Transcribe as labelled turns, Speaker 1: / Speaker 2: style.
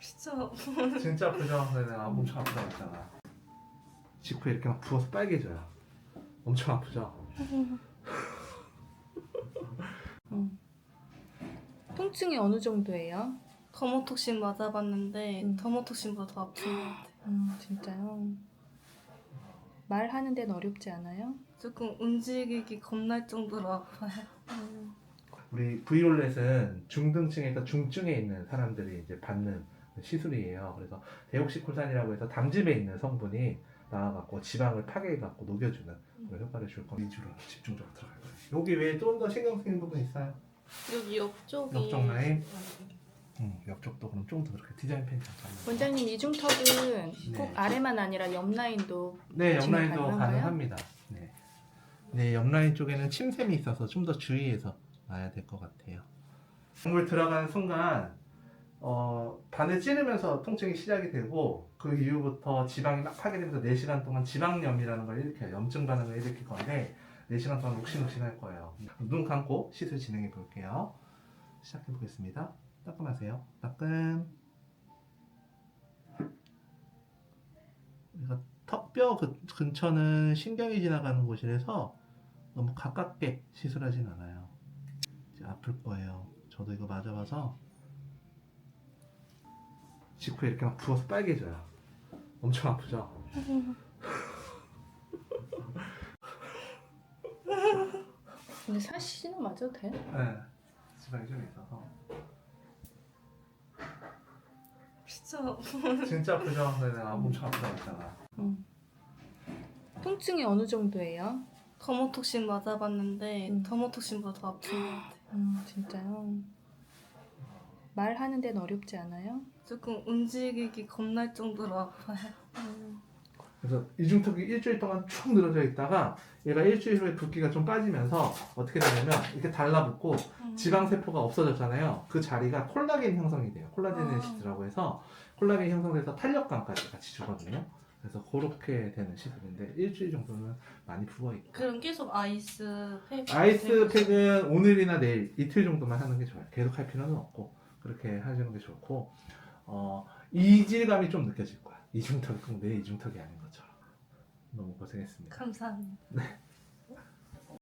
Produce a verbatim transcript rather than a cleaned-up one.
Speaker 1: 진짜
Speaker 2: 진짜 아프죠? 근데 내가 엄청 아프다고 했잖아. 직후에 이렇게 막 부어서 빨개져요. 엄청 아프죠?
Speaker 3: 음. 통증이 어느 정도예요?
Speaker 1: 더모톡신 맞아봤는데
Speaker 3: 음.
Speaker 1: 더모톡신보다 더 아픈 것 같아요.
Speaker 3: 음, 진짜요? 말하는 데는 어렵지 않아요?
Speaker 1: 조금 움직이기 겁날 정도로 아파요.
Speaker 3: 음.
Speaker 2: 우리 브이롤렛은 중등층에서 중증에 있는 사람들이 이제 받는 시술이에요. 그래서 데옥시콜산이라고 해서 당즙에 있는 성분이 나와갖고 지방을 파괴해갖고 녹여주는 그런 효과를 줄 겁니다. 위주로 집중적으로 들어갈 거예요. 여기 외에 좀 더 신경 쓰이는 부분 있어요?
Speaker 1: 여기 옆쪽이
Speaker 2: 옆쪽 라인? 응, 옆쪽도 그럼 좀 더 그렇게 디자인 펜 잠깐만.
Speaker 3: 원장님 이중턱은
Speaker 2: 네.
Speaker 3: 꼭 아래만 아니라 옆 라인도
Speaker 2: 네,
Speaker 3: 진행
Speaker 2: 옆라인도
Speaker 3: 가능한가요?
Speaker 2: 가능합니다. 네, 네, 옆라인 쪽에는 침샘이 있어서 좀 더 주의해서 놔야 될 것 같아요. 물 들어가는 순간 어, 바늘 찌르면서 통증이 시작이 되고 그 이후부터 지방이 막 파괴되면서 네 시간 동안 지방염이라는 걸 일으켜요. 염증 반응을 일으킬 건데 네 시간 동안 욱신욱신 할 거예요. 눈 감고 시술 진행해 볼게요. 시작해 보겠습니다. 따끔하세요. 따끔. 그러니까 턱뼈 그- 근처는 신경이 지나가는 곳이라서 너무 가깝게 시술하진 않아요. 이제 아플 거예요. 저도 이거 맞아봐서 직후에 이렇게 막 부어서 빨개져요. 엄청 아프죠?
Speaker 3: 근데 사시는 맞아도 돼?
Speaker 2: 네. 지방이 좀 있어서.
Speaker 1: 진짜
Speaker 2: 진짜 아프죠? 근데 내가 엄청 아프다고 했잖아.
Speaker 3: 음. 통증이 어느 정도예요?
Speaker 1: 더모톡신 맞아봤는데
Speaker 3: 음.
Speaker 1: 더모톡신보다 더 아픈 것 같아요.
Speaker 3: 음, 진짜요? 말하는 데는 어렵지 않아요?
Speaker 1: 조금 움직이기 겁날 정도로 아파요.
Speaker 3: 음.
Speaker 2: 그래서 이중턱이 일주일 동안 쭉 늘어져 있다가 얘가 일주일 후에 붓기가 좀 빠지면서 어떻게 되냐면 이렇게 달라붙고
Speaker 1: 음.
Speaker 2: 지방세포가 없어졌잖아요. 그 자리가 콜라겐 형성이 돼요. 콜라제네시스라고 해서 콜라겐 형성돼서 탄력감까지 같이 주거든요. 그래서 그렇게 되는 시술인데 일주일 정도는 많이 부어있고
Speaker 1: 그럼 계속 아이스 팩
Speaker 2: 아이스팩은 오늘이나 내일 이틀 정도만 하는 게 좋아요. 계속 할 필요는 없고 그렇게 하시는 게 좋고 어, 이질감이 좀 느껴질 거야. 이중턱이 꼭 내 이중턱이 아닌 것처럼. 너무 고생했습니다.
Speaker 1: 감사합니다.
Speaker 2: 네.